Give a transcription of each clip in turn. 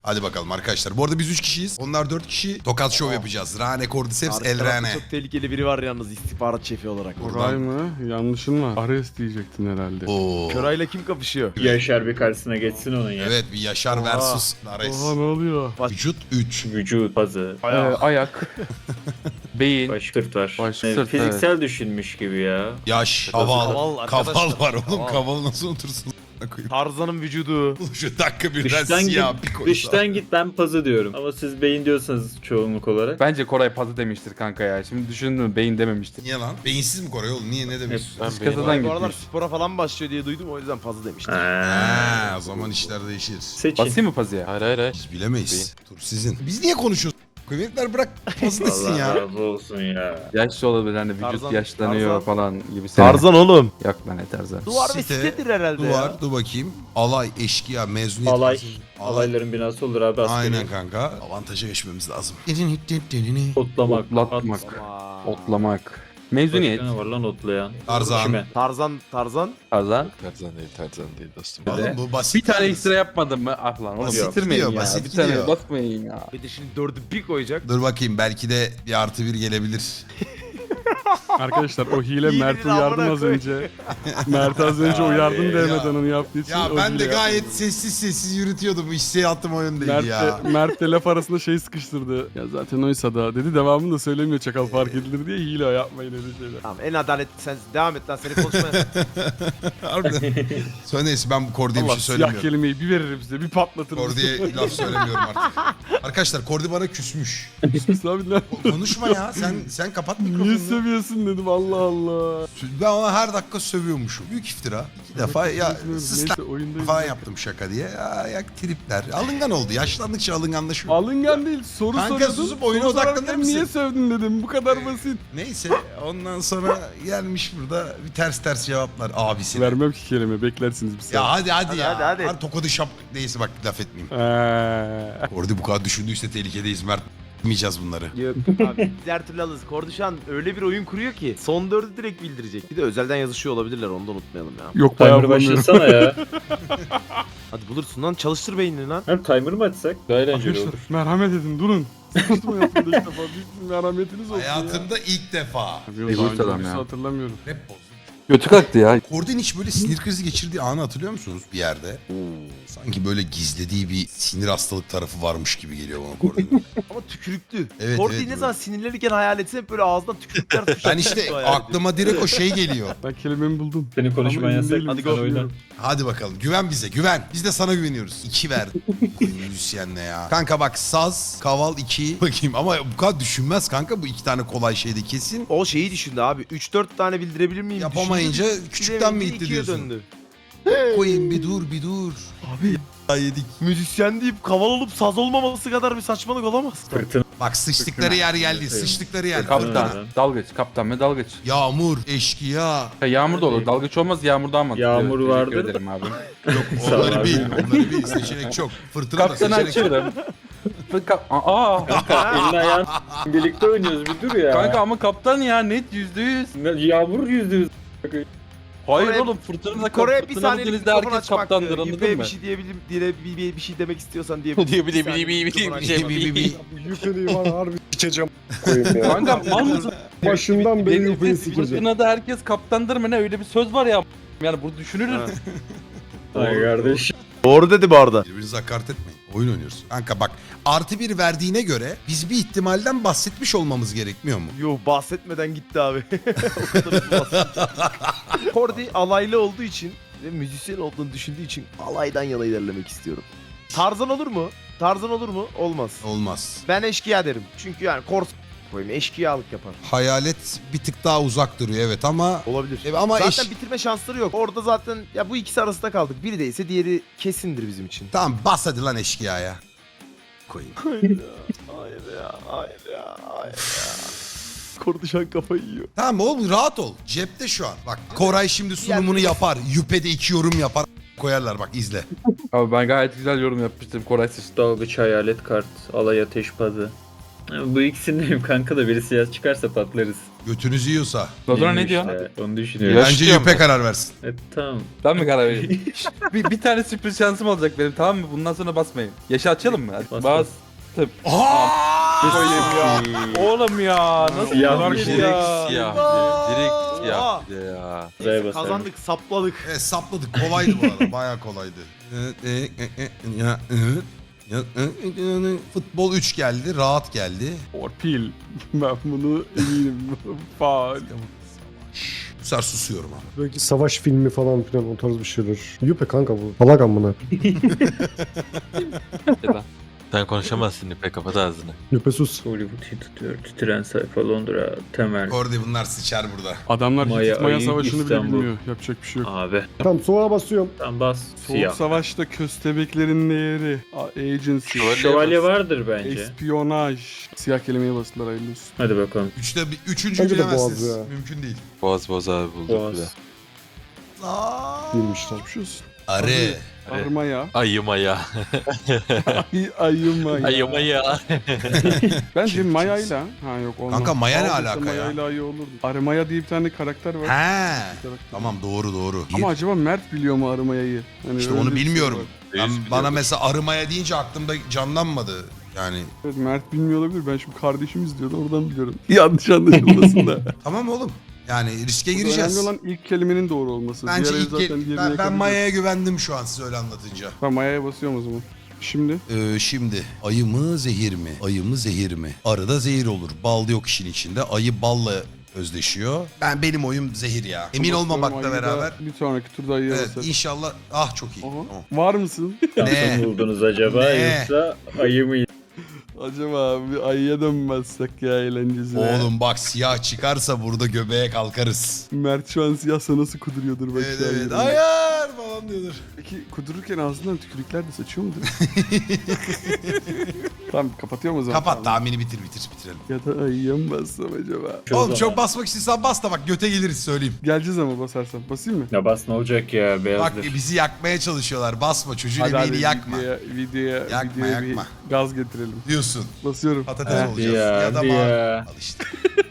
Hadi bakalım arkadaşlar. Bu arada biz 3 kişiyiz. Onlar 4 kişi. Tokat şov yapacağız. Rane, Cordyceps, Arka tarafta Elrane. çok tehlikeli biri var yalnız istihbarat şefi olarak. Koray mı? Yanlışın var. Ares diyecektin herhalde. Oo. Körayla kim kapışıyor? Yaşar bir karşısına geçsin onun ya. Evet bir Yaşar Oha. versus Ares. Oha ne oluyor? Vücut 3. Vücut, pazı, Ayak. Beyin. baş, sırt var. Baş, sırt, fiziksel düşünmüş gibi ya. Yaş. Kaval Kaval. arkadaşlar. Kaval var oğlum. Kaval. Kaval nasıl otursun? Tarzan'ın vücudu. Şu dakika birden Dıştan siyah git, bir koysa. dıştan git ben pazı diyorum. Ama siz beyin diyorsanız çoğunluk olarak. Bence Koray pazı demiştir kanka ya. Şimdi düşündün mü beyin dememiştir. Niye lan? Beyinsiz mi Koray oğlum? Niye ne demek? Biz kasadan Bu aralar gitmiş. spora falan başlıyor diye duydum o yüzden fazla demiştim. Ha, o zaman işler değişir. Seçin. Basayım mı pazıya? Hayır. Biz bilemeyiz. Tur sizin. Biz niye konuşuyoruz? Kıymetler bırak fazla desin Allah ya. razı olsun ya. Yaşlı olabilir hani vücut Tarzan, yaşlanıyor Tarzan. falan gibi. Tarzan oğlum. Yok lan ne Tarzan. Duvar ve Site, sitedir herhalde Duvar, ya. dur bakayım. Alay, eşkıya, mezuniyet. Alay. Alay. Alayların binası olur abi askeri. Aynen kanka. Avantaja geçmemiz lazım. Otlamak. Otlatmak. Aa. Otlamak. Mezuniyet. Başka ne var lan otlayan? Tarzan. Kime? Tarzan. Tarzan. Tarzan değil dostum. Oğlum bu basit. Bir tane yalnız. ekstra yapmadın mı? Ah lan oğlum Basit bitirmeyin gidiyor, ya. basit Bir tane gidiyor. basmayın ya. Bir de şimdi 4'ü bir koyacak. Dur bakayım belki de bir artı bir gelebilir. Arkadaşlar o hile Hilenin Mert'i uyardım amına az koy. önce. Mert az önce uyardım ya. demeden onu yaptığı için Ya o ben de hile gayet yapmadım. sessiz yürütüyordum. Hissiyatım o yöndeydi ya. Mert de laf arasında şey sıkıştırdı. Ya zaten oysa da dedi devamını da söylemiyor çakal fark edilir diye hile yapmayın öyle şeyler. Tamam en adaletli sen devam et lan seni konuşmaya. Harbiden. Sonra neyse ben bu Kordi'ye bir Allah şey siyah söylemiyorum. kelimeyi bir veririm size bir patlatırım. Kordi'ye laf söylemiyorum artık. Arkadaşlar Kordi bana küsmüş. Sus abi lan. Konuşma ya. Sen kapat Niye mikrofonunu. seviyorsun dedim Allah Allah. Ben ona her dakika sövüyormuşum. Büyük iftira. 2 defa ya Neyse sısla oyundayız. falan yaptım şaka diye. Ya, ya tripler. Alıngan oldu. Yaşlandıkça alınganlaşıyor. Alıngan değil soru Kanka soruyordun. susup oyuna soru sorarken odaklanır mısın? Niye sövdün dedim bu kadar basit. Neyse ondan sonra gelmiş burada bir ters cevaplar abisine. Vermem ki kelime beklersiniz bir Ya saniye. hadi Hadi, ya. hadi. Hadi tokadı şap. Neyse bak laf etmeyeyim. Eee. Kordi bu kadar düşündüyse tehlikedeyiz Mert. Bilmeyeceğiz bunları. Yok abi biz her türlü alırız. Korduşan öyle bir oyun kuruyor ki son 4'ü direkt bildirecek. Bir de özelden yazışıyor olabilirler onu da unutmayalım ya. Yok bayağı Timer bulamıyorum. başlasana ya. Hadi bulursun lan çalıştır beynini lan. Hem timer mı açsak? Daha eğlenceli olur. Arkadaşlar merhamet edin durun. Sıkıştım hayatımda ilk defa. Bir merhametiniz olsun ya. Hayatımda ilk defa. Abi, Egoist daha önce adam birisi ya. hatırlamıyorum. Rap bozdum. Götü kalktı ya. Kordi'nin hiç böyle sinir krizi geçirdiği anı hatırlıyor musunuz bir yerde? Sanki böyle gizlediği bir sinir hastalık tarafı varmış gibi geliyor bana Kordi'nin. Ama tükürüklü. Evet, Kordi evet, ne zaman sinirlenirken hayal etse hep böyle ağzından tükürükler Ben işte aklıma direkt o şey geliyor. Ben kelimemi buldum. Senin konuşman Ama emin yasak. değilim, Hadi sen go oyna. Hadi bakalım güven bize güven. Biz de sana güveniyoruz. 2 verdi. Müzisyenle ya. Kanka bak saz, kaval 2. Bakayım ama bu kadar düşünmez kanka bu 2 tane kolay şeyde kesin. O şeyi düşündü abi. 3-4 tane bildirebilir miyim? Yapamayınca Düşündü, küçükten mi bilemeyince gitti ikiye diyorsun? döndü. Koyayım bir dur. Abi Ya yedik. müzisyen deyip kaval olup saz olmaması kadar bir saçmalık olamaz. Fırtına. Bak sıçtıkları yer geldi. Sıçtıkları yer. Kaptan. Fırtına. Dalgıç. Kaptan ve dalgıç. Yağmur, eşkıya. Ya yağmur da olur. Dalgıç olmaz yağmur daha mantıklı. Yağmur Teşekkür vardır da. ederim abi. Yok Sağ ol onları abi. bil. Onları bil. Seçenek çok. Fırtına da Kaptanı seçenek çok. açıyorum. Aa. Elini ayağın birlikte oynuyoruz bir dur ya. Kanka ama kaptan ya net %100. Yağmur %100. Hayır Kore'ye- oğlum fırtınada Kore'ye bir fırtınada saniyelik denizde mikrofon herkes açmak. kaptandır anladın Yüpe'ye mı? bir şey diyebilirim diye bir şey demek istiyorsan diyebilirim. Diye Bir saniye mikrofon aç. Yüpeli var harbi sikeceğim. Kanka mal mısın? Başından beri yüpeli Denizde sikeceğim. fırtınada herkes kaptandır mı ne öyle bir söz var ya. Yani bu düşünülür. Ha. Ay kardeş. Doğru dedi bu arada. Birbirinize hakaret etmeyin. Oyun oynuyoruz. Kanka bak artı bir verdiğine göre biz bir ihtimalden bahsetmiş olmamız gerekmiyor mu? Yo bahsetmeden gitti abi. O kadar hızlı bahsetti. Kordi alaylı olduğu için ve müzisyen olduğunu düşündüğü için alaydan yana ilerlemek istiyorum. Tarzan olur mu? Tarzan olur mu? Olmaz. Olmaz. Ben eşkıya derim. Çünkü yani kors koyayım eşkıyalık yapar. Hayalet bir tık daha uzak duruyor evet ama... Olabilir. Ama Zaten bitirme şansları yok. Orada zaten ya bu ikisi arasında kaldık. Biri değilse diğeri kesindir bizim için. Tamam bas hadi lan eşkıyaya. Koyayım. Hayır ya. Korduşan kafayı yiyor. Tamam oğlum rahat ol. Cepte şu an. Bak Koray şimdi sunumunu yapar. Yüpe'de 2 yorum yapar. Koyarlar bak izle. Abi ben gayet güzel yorum yapmıştım Koray sıçtı. Dalgıç hayalet kart. Alay ateş pazı. Bu ikisindeyim kanka da biri siyah çıkarsa patlarız. Götünüzü yiyorsa. Dodora ne Neymiş diyorsun? ya, onu düşünüyorum. Yaş Bence diyor Yüpe mu? karar versin. Tamam. Ben mi karar vereyim? bir tane sürpriz şansım olacak benim, tamam mı? Bundan sonra basmayın. Yaşı açalım mı? Hadi Bas, bastım. Aa! Koyayım ya. Oğlum ya. Nasıl Siyahmış, olabilir Direkt ya? siyah. Direkt siyah bir de ya. Güzel basarım. Kazandık, sapladık. Sapladık. Kolaydı bu arada. Bayağı kolaydı. Futbol 3 geldi. Rahat geldi. Torpil. Ben bunu eminim. Faal. Bu sefer susuyorum abi. Belki savaş filmi falan filan o tarz bir şeydir. Yüpe kanka bu. Salak amına. Sen konuşamazsın İpek, kapat ağzını. Yüpe sus. Hollywood'u tutuyor. Titren sayfa Londra. Temel. Kordi bunlar sıçar burada. Adamlar Maya, Hitit Maya Ayı, Savaşı'nı bile İstanbul. bilmiyor. Yapacak bir şey yok. Abi. Tamam soğuğa basıyorum. Tamam bas. Soğuk Siyah. Savaş'ta köstebeklerin değeri. Agency. Şövalye vardır bence. Espionaj. Siyah kelimeye bastılar, hayırlı olsun. Hadi bakalım. Üçüncü Bence de boğaz bilemezsiniz. ya. Mümkün değil. Boğaz abi bulduk bir de. Boğaz. Bilmişler. Geçmiş olsun. Arı. Armaya. Ayımaya. Ayımaya. Ayımaya. Bence Maya'yla. Ha yok olmaz. Kanka Maya ne Aldıysa alaka ya? Maya'yla iyi olurdu. Armaya diye bir tane karakter var. He. Karakter. Tamam doğru. Ama acaba Mert biliyor mu Armaya'yı? Hani İşte öyle onu bir şey bilmiyorum. var. Ben, Reis bana biliyordur. mesela arımaya deyince aklımda canlanmadı. Yani Evet, Mert bilmiyor olabilir. Ben şimdi kardeşim izliyordu, oradan biliyorum. Yanlış anlaşılmasın da. tamam oğlum. Yani riske Önemli gireceğiz. olan ilk kelimenin doğru olması. Bence Diğer ilk zaten diğerine ben yakalayacağız. Maya'ya güvendim şu an siz öyle anlatınca. Ben Maya'ya basıyorum o zaman. Şimdi Şimdi ayı mı zehir mi? Ayı mı zehir mi? Arıda zehir olur. Bal yok işin içinde. Ayı balla özdeşiyor. Benim oyum zehir ya. Emin basıyorum, olmamakla ayı da beraber. bir sonraki turda ayıya Evet basarım. inşallah. Ah çok iyi. Aha. Tamam. Var mısın? Ne? Şansın buldunuz acaba Ne? yoksa ayı mı? Acaba bir ayıya dönmezsek ya eğlencesine. Oğlum bak siyah çıkarsa burada göbeğe kalkarız. Mert şu an siyahsa nasıl kuduruyordur bak Evet şu an evet. yerine. Hayır falan diyordur. Peki kudururken ağzından tükürükler de saçıyor mudur? Tamam kapatıyorum o zaman. Kapat tahmini bitirelim. Ya da ayıya mı bassam acaba? Oğlum çok basmak istiyorsan bas da bak göte geliriz söyleyeyim. Geleceğiz ama basarsam. Basayım mı? Ya bas ne olacak ya Bak beyazdır. bizi yakmaya çalışıyorlar. Basma çocuğun emeğini yakma. Videoya Yakma, bir yakma. gaz getirelim. Diyorsun. Basıyorum. Patates Heh, olacağız. ya, Ya da hadi mavi. ya. Al işte.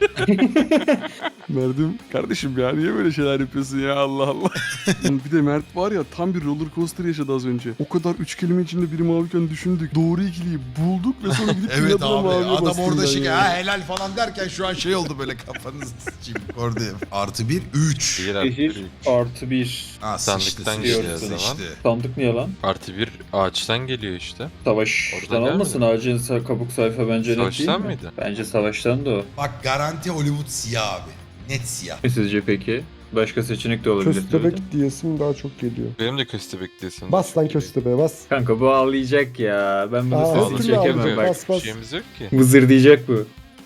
Mert'im kardeşim ya niye böyle şeyler yapıyorsun ya Allah Allah. Bir de Mert var ya tam bir roller coaster yaşadı az önce. O kadar 3 kelime içinde biri maviyken düşündük. Doğru ikiliyi bulduk ve sonra gidip Evet inadına abi maviye adam bastım orada ben şey ya. ha helal falan derken şu an şey oldu böyle kafanızı sıçayım. Orada artı bir 3. Bir artı Zehir bir. artı 1. Ha Sandıktan sıçtı geliyor sıçtı o zaman. sıçtı. Sandık niye lan? Artı bir ağaçtan geliyor işte. Savaştan Orada olmasın ağacın kabuk sayfa bence net değil Savaştan mi? mıydı? Bence savaştan da o. Bak garanti Hollywood siyah abi. Net siyah. Sizce peki? Başka seçenek de olabilir. tabii de. Köstebek diyesim daha çok geliyor. Benim de köstebek diyesim. Bas lan köstebeğe bas. Kanka bu ağlayacak ya. Ben bunu Aa, sesini hatırla çekemem ağlayacak. bak. Bas bas. Bir şeyimiz yok ki. Vızır diyecek bu.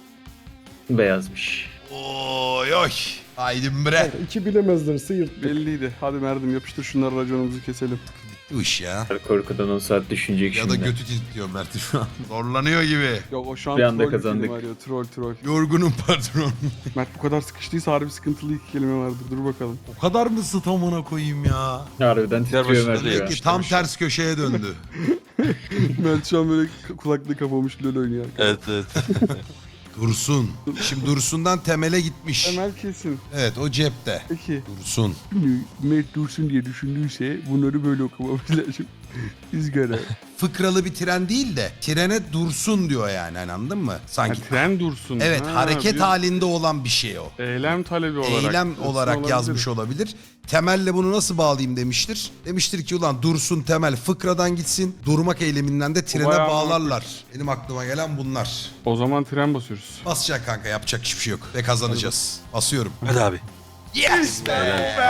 Beyazmış. Oy oy. Haydi bre. Kanka, İki bilemezlerse yırttık. Belliydi. Hadi Mert'im yapıştır şunları raconumuzu keselim. Bu iş ya. Korkudan 10 saat düşünecek Ya da şimdi. götü titriyor Mert şu an. Zorlanıyor gibi. Yok o şu an Bir anda troll bir kazandık. kelime arıyor. Troll. Yorgunum patron. Mert bu kadar sıkıştıysa harbi sıkıntılı iki kelime vardır. Dur bakalım. O kadar mı sıtamına koyayım ya? Harbiden Diğer titriyor başında Mert değil ya. Peki tam ters köşeye döndü. Mert şu an böyle kulaklığı kapamış LoL oynuyor. Evet evet. Dursun. Şimdi Dursun'dan temele gitmiş. Temel kesin. Evet o cepte. Peki. Dursun. Şimdi Mert Dursun diye düşündüyse bunları böyle okumamız lazım. İzgara. Fıkralı bir tren değil de trene dursun diyor yani hani anladın mı? Ha, Sanki. tren dursun. Evet Ha, hareket bir halinde olan bir şey o. Eylem talebi olarak. Eylem Aslında olarak olabilir. yazmış olabilir. Temelle bunu nasıl bağlayayım demiştir. Demiştir ki ulan dursun temel fıkradan gitsin. Durmak eyleminden de trene bayağı bağlarlar. Benim aklıma gelen bunlar. O zaman tren basıyoruz. Basacak kanka yapacak hiçbir şey yok. Ve kazanacağız. Basıyorum. Hadi abi. Yes be!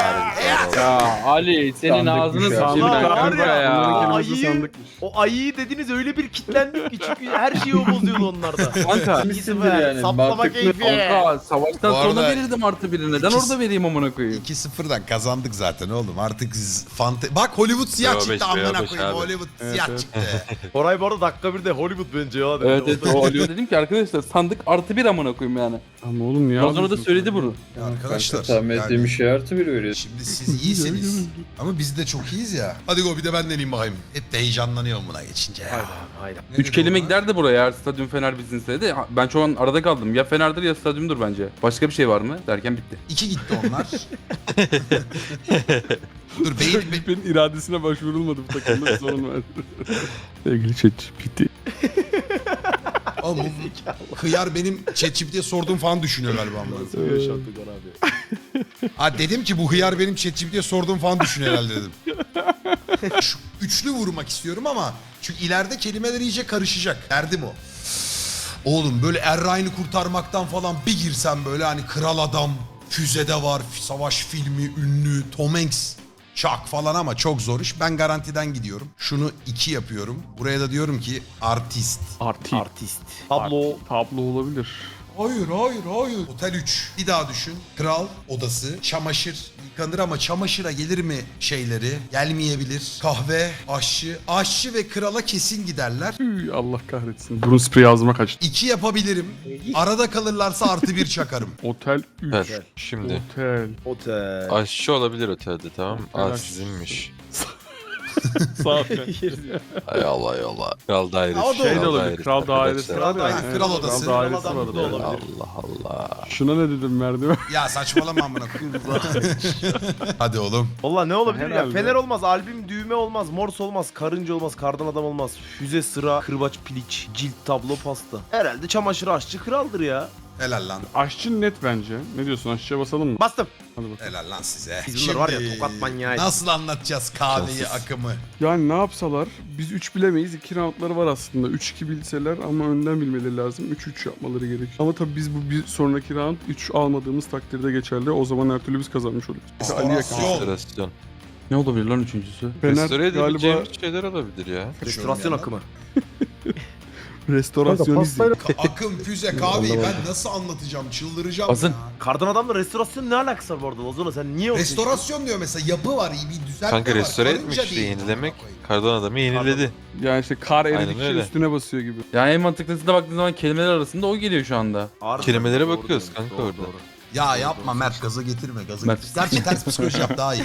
Ya Ali senin Sandık ağzını bir şey. sıçayım Allah ben var kanka ya. ya. Bunların Ayı- kelimesi sandıkmış. O ayıyı dediniz öyle bir kitlendik ki çünkü her şeyi o bozuyordu onlarda. Kanka. İkisi yani, yani. Saplama mantıklı. keyfi. Kanka savaştan Bu sonra arada verirdim artı biri. Neden ikisi- orada vereyim amına koyayım? 2-0'dan kazandık zaten oğlum. Artık Bak Hollywood siyah Bravo çıktı beş, amına bravo beş koyayım. abi. Hollywood Evet, siyah evet. çıktı. Koray bu arada dakika bir de Hollywood bence ya. dedi. Evet evet o oluyor dedim ki arkadaşlar sandık artı bir amına koyayım yani. Ama oğlum niye Ondan sonra da ağlıyorsun söyledi sen? bunu. Arkadaşlar Tahmin Sevmediğim Yani- şey artı bir veriyor. Şimdi siz iyisiniz. Ama biz de çok iyiyiz ya. Hadi go bir de ben deneyeyim bakayım. Hep de heyecanlanıyorum buna geçince ya. Hayda. Ne 3 dedi kelime ona? giderdi buraya eğer stadyum Fener bizinseydi. De ben şu an arada kaldım. Ya Fener'dir ya stadyumdur bence. Başka bir şey var mı? Derken bitti. 2 gitti onlar. Dur beyin... Benim iradesine başvurulmadı bu takımda bir sorun var. Sevgili ChatGPT. Oğlum bu hıyar benim ChatGPT'ye sorduğum falan düşünüyor galiba. amına. Yaşattık onu abi. Ha dedim ki bu hıyar benim ChatGPT'ye sorduğum falan düşünüyor herhalde dedim. Şu üçlü vurmak istiyorum ama çünkü ileride kelimeler iyice karışacak. Derdim o. Oğlum böyle Erray'ını kurtarmaktan falan bir girsem böyle hani kral adam, füzede var, savaş filmi, ünlü, Tom Hanks, Chuck falan ama çok zor iş. Ben garantiden gidiyorum. Şunu 2 yapıyorum. Buraya da diyorum ki artist. Artist. Tablo. Tablo olabilir. Hayır. Otel 3. Bir daha düşün. Kral odası, çamaşır yıkanır ama çamaşıra gelir mi şeyleri? Gelmeyebilir. Kahve, aşçı ve krala kesin giderler. Üy, Allah kahretsin. Burun spreyi ağzıma kaçtı. 2 yapabilirim. Arada kalırlarsa artı 1 çakarım. Otel 3. Evet. Şimdi Otel. aşçı olabilir otelde, tamam mı? Otel Aa aşçısı. sizinmiş. Sağ ol. Ay Allah Allah. Kral dairesi. Ha, o da Şey de olur. olabilir. Kral dairesi Arkadaşlar. var ya. Kral dairesi, kral odası. Kral dairesi Kral var adamı da orada. olabilir. Allah Allah. Şuna ne dedim merdiven? Ya saçmalama amına koyayım. Hadi oğlum. Valla ne olabilir ya? Herhalde. Fener olmaz, albüm düğme olmaz, morse olmaz, karınca olmaz, kardan adam olmaz, füze, sıra, kırbaç, piliç, cilt, tablo, pasta. Herhalde çamaşır aşçı kraldır ya. Helal lan. Aşçı net bence. Ne diyorsun, aşçıya basalım mı? Bastım. Hadi bakalım. Helal lan size. Biz bunlar var ya tokat manyağıyız. Nasıl anlatacağız kahveyi, Şanssız. akımı? Yani ne yapsalar? Biz 3 bilemeyiz. 2 roundları var aslında. 3-2 bilseler ama önden bilmeleri lazım. 3-3 yapmaları gerek. Ama tabii biz bu bir sonraki round 3 almadığımız takdirde geçerli. O zaman her türlü biz kazanmış oluruz. Restorasyon. Ali yakın. Restorasyon. Ne olabilir lan üçüncüsü? Fener Restore galiba edebileceğimiz şeyler olabilir ya. Restorasyon akımı. Kanka restorasyon pastayla Akım, füze, kahveyi ben nasıl anlatacağım? Çıldıracağım Azın. ya. Kardan adamla restorasyon ne alakası var bu arada? Ozona sen niye o Restorasyon diyor mesela, yapı var, iyi bir düzeltme Kanka var. restore Karınca etmek işte, değil. yenilemek. Kardan adamı yeniledi. Yani işte kar Aynen eridikçe öyle. üstüne basıyor gibi. Yani en mantıklısına baktığın zaman kelimeler arasında o geliyor şu anda. Harbiden Kelimelere doğru bakıyoruz diyorsun, kanka doğru, orada. doğru. Ya yapma Mert, gaza getirme, gaza Mert. getirme. Gerçi ters psikoloji yap daha iyi.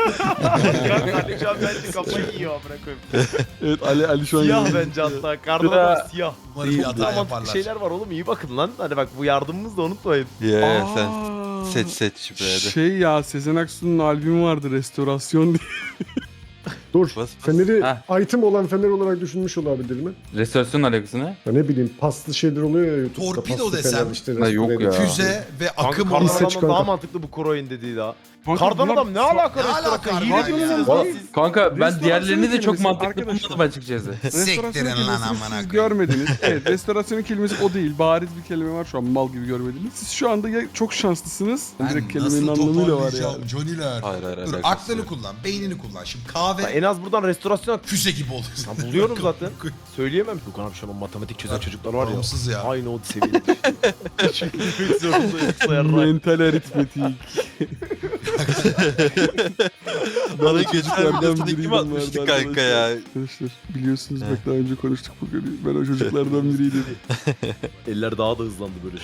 Ali Can bence kafayı yiyor amına koyayım. Evet Ali şu an Siyah yenildi. bence hatta. Kardan adam siyah. Umarım bir Çok hata daha mantıklı yaparlar. şeyler var oğlum, iyi bakın lan. Hadi bak bu yardımımızı da unutmayın. Ya sen Aa, seç şifrede. Şey ya Sezen Aksu'nun albümü vardı restorasyon diye. dur. Bas. Feneri Heh. item olan fener olarak düşünmüş olabilir mi? Restorasyon alakası ne? Ya ne bileyim paslı şeyler oluyor ya YouTube'da. Torpido paslı desem. fener işte Ha, yok restore ya. ediyor. Füze ve Kanka akım kardan seç olan. adamdan kanka. daha mantıklı bu Kroy'un dediği daha. Kanka Kardan bunlar adam ne alaka Ne alaka restorasyon? harbiden Yine ya? misiniz lan siz? Kanka ben Restorasyon diğerlerini de çok kelimesi mantıklı arkadaşlar. bulmadım açıkçası. Siktirin lan kelimesini amına siz koyayım. görmediniz. Evet, restorasyonun kelimesi o değil. Bariz bir kelime var şu an, mal gibi görmediniz. Siz şu anda ya çok şanslısınız. Ben Direkt kelimenin nasıl anlamıyla var ya. toparlayacağım Johnny'ler? Hayır, Dur alakası aklını yok. kullan, beynini kullan. Şimdi Ya kahve en az buradan restorasyon füze gibi olur. Ya buluyorum zaten. Söyleyemem. Gökhan abi şu an matematik çözen çocuklar var ya. Bağımsız ya. Aynı o seviyede. Çünkü bilmek zorundayım. Sayarlar. Mental aritmetik. Bana çocuklardan geçen biriydim kim atmıştı vardı kanka ya? Arkadaşlar biliyorsunuz bak daha önce konuştuk bugün. Ben o çocuklardan biriydim. Eller daha da hızlandı böyle.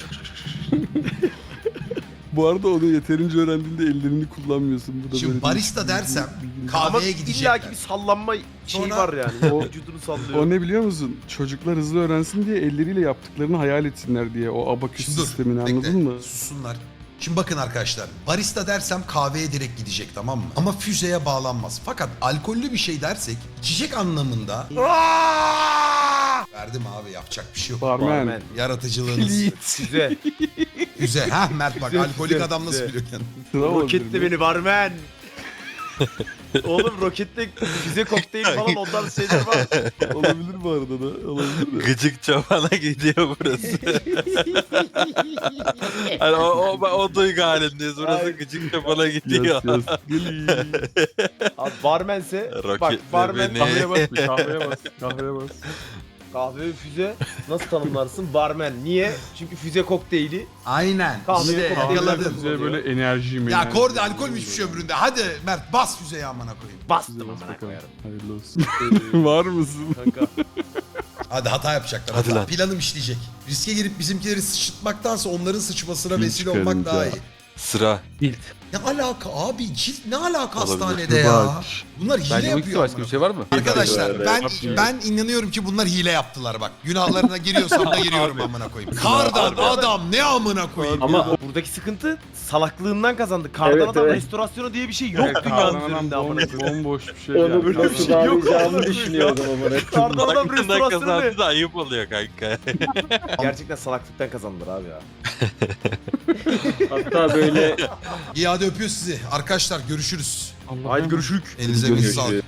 Bu arada onu yeterince öğrendiğinde ellerini kullanmıyorsun. Bu da Şimdi böyle barista değişik bir dersem, bilgi. Ama kahveye illaki gidecekler. bir sallanma şeyi Sonra- var yani. O- Vücudunu sallıyor. O ne biliyor musun? Çocuklar hızlı öğrensin diye elleriyle yaptıklarını hayal etsinler diye. O abaküs Şimdi dur, sistemini bekle. anladın mı? Sussunlar. Şimdi bakın arkadaşlar, barista dersem kahveye direkt gidecek, tamam mı? Ama füzeye bağlanmaz. Fakat alkollü bir şey dersek içecek anlamında verdim abi, yapacak bir şey yok. Barmen. Barmen. Yaratıcılığınız. Size. Füze. Ha Mert bak, Güzel, alkolik güzel, adam nasıl güzel. biliyor kendini? Sıra olabilir Roketle mi? beni barmen. Oğlum roketle füze kokteyl falan o tarz şeyler var. Olabilir bu arada da. Olabilir de. Gıcık çobana gidiyor burası. Hani o duygu halindeyiz. Burası Ay. gıcık çobana gidiyor. Yes, yes. Geli. Abi barmense bak Roketle barmen beni. Kahveye bas, bir kahveye bas. Kahveye bas. kahve ve füze nasıl tanımlarsın? Barmen. Niye? Çünkü füze kokteyli. Aynen. Kahveye İşte kokteyl yakaladın. Bize böyle enerji mi? Ya kordi alkolmüş bir şey ömründe. Hadi Mert bas füzeye amına koyayım. Bastım Bas amına bakalım. koyarım. Hayırlı olsun. Var mısın? Kanka. Hadi hata yapacaklar. Hadi hata. lan. Planım işleyecek. Riske girip bizimkileri sıçıtmaktansa onların sıçmasına Pil vesile olmak çıkarınca. daha iyi. Sıra. Cilt. Ne alaka abi? Cilt ne alaka Olabilir. hastanede ya? Bak. Bunlar hile Bence bu ikisi yapıyor. başka bir şey var mı? Arkadaşlar Evet. ben inanıyorum ki bunlar hile yaptılar bak. Günahlarına giriyorsam da giriyorum amına koyayım. Kardan adam ne amına koyayım. Ama Buradaki sıkıntı salaklığından kazandı. Kardan Evet, adam evet. restorasyonu diye bir şey yok Evet, dünyanın kardan üzerinde adam amına koyayım. bomboş bir şey. onu yani. nasıl Yok bağlayacağımı amına düşünüyordum ama. Kardan adam Hakkında restorasyonu ne? kazandı da ayıp oluyor kanka. Gerçekten salaklıktan kazandılar abi ya. Hatta böyle İyi hadi öpüyoruz sizi. Arkadaşlar görüşürüz. Allah'ım. Haydi görüşürüz. Elinize bir sağlık.